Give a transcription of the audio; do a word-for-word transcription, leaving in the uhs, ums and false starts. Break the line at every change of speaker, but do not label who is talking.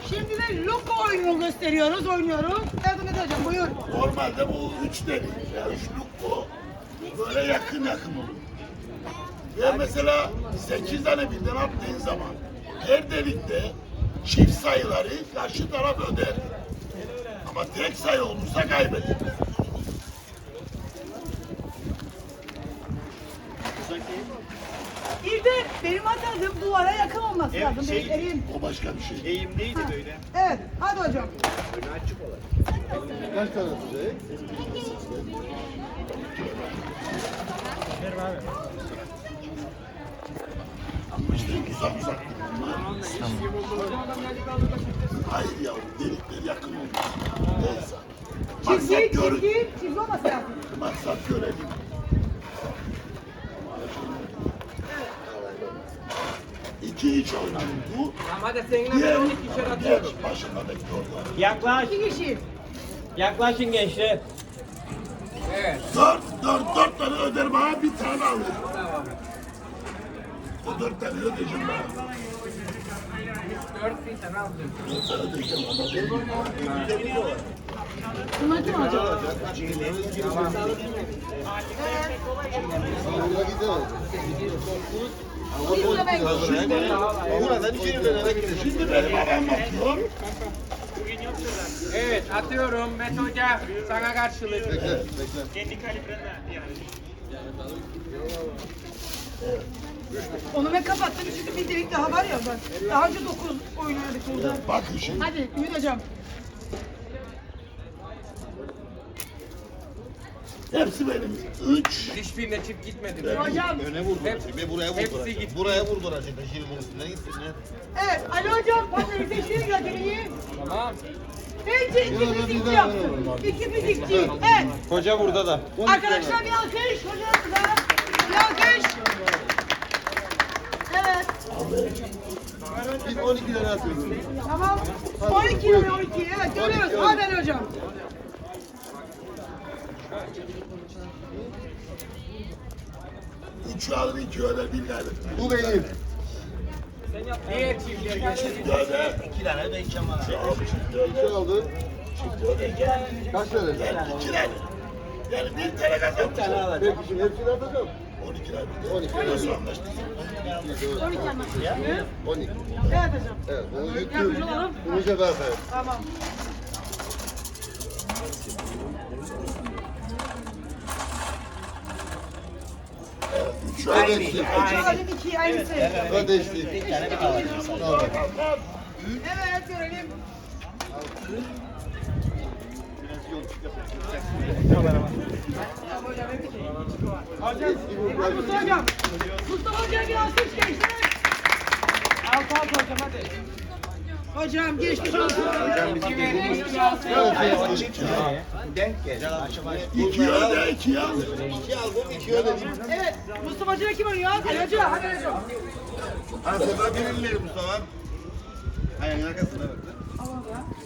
Şimdi de Luko oyununu gösteriyoruz, oynuyoruz. Yardım edeceğim, buyur.
Normalde bu üç delik, yani üç Luko böyle yakın yakın olur. Ve mesela sekiz tane birden attığın zaman her delikte çift sayıları karşı taraf öder. Ama tek sayı olursa kaybeder.
Bir de benim atadığım duvara yakın olması
Evet,
lazım.
şey-
Elim.
O başka bir şey.
Eğimliydi böyle.
Evet, hadi hocam.
Önü açık olarak.
Kaç tane tutacak?
Ama işte uzak uzak. Hayır ya, delikler yakın olmuş. Neyse. Maksat
Çizgi,
gör,
çizgi, çizgi olması lazım.
maksat görelim. İki iç oynadı bu.
Ama da seninle
Diğer,
ben on iki kişi atıyorum.
geç başında bekliyorlar.
Yaklaş.
İki kişi.
Yaklaşın gençler. Evet.
Dört, dört, dört tane öder bana, bir tane alır.
Tamam.
O dört tane ödeyeceğim bana.
Dört bir tane aldım.
Dört tane ödeyeceğim ama.
Bunlar kim alacak?
Buna gidelim.
Bir burada ben
Buradan iki yıldan gidelim.
Şimdi benim adam atıyor.
Evet atıyorum Mete Hoca sana karşılık.
Bekle, bekle.
Kendi kalibrene yani.
Onu ben kapattım çünkü bir delik daha var ya bak. Daha önce dokuz oynadık burada.
Bakın şimdi.
Hadi Ümit hocam.
Hepsi benim. Üç.
Hiçbirine çift gitmedi.
Hocam.
Öne vurduracak. Ve buraya
Hepsi
vurduracak.
gitti.
Buraya vurduracak. Şirin üstüne gitsinler.
Evet Ali hocam patları seçtiğini gönderiyi.
Tamam.
Bence iki fizikçi yaptım. İki fizikçi. Evet.
Hoca burada da.
Arkadaşlar bir alkış. Hocamıza bir alkış. Evet.
Biz on iki tane atıyoruz.
Tamam. on iki on iki. Evet görüyoruz. Hadi Ali hocam.
Üçü alır, iki öder, bir kaybeder.
Bu benim.
Diğer çiftler geçti.
Çift öder.
İki tane de içeceğim bana.
Tamam, çift
İki
öder.
aldı.
Çift öder. Gel.
Kaç tane?
Gel, iki tane. Yani bir tane kazanmış.
Peki şimdi hepsini atacağım.
On iki tane.
On iki.
Nasıl anlaştık?
on iki anlaşıldı.
On iki.
Evet hocam.
Evet, bunu
Yardımcı
yüklüyorum.
olalım.
Bunu sefer atayım.
Tamam.
Üçü alır.
Aynı.
iki.
Alim iki aynısı. Evet
Ben değişti. Tamam.
görelim. Hocam, Mustafa hocam. Mustafa hocam bir alkış gençler.
Alt alt hocam hadi.
Hocam geçmiş olsun. Geçmiş olsun.
Denk gel. Açma.
İki öder, iki alır.
İki aldım, iki ödedim.
Evet, Mustafa hocam kim oynuyor? Ali Hoca, hadi Ali hocam.
Ha sefer birini Mustafa. Ayağın arkasına bak.
Tamam ya.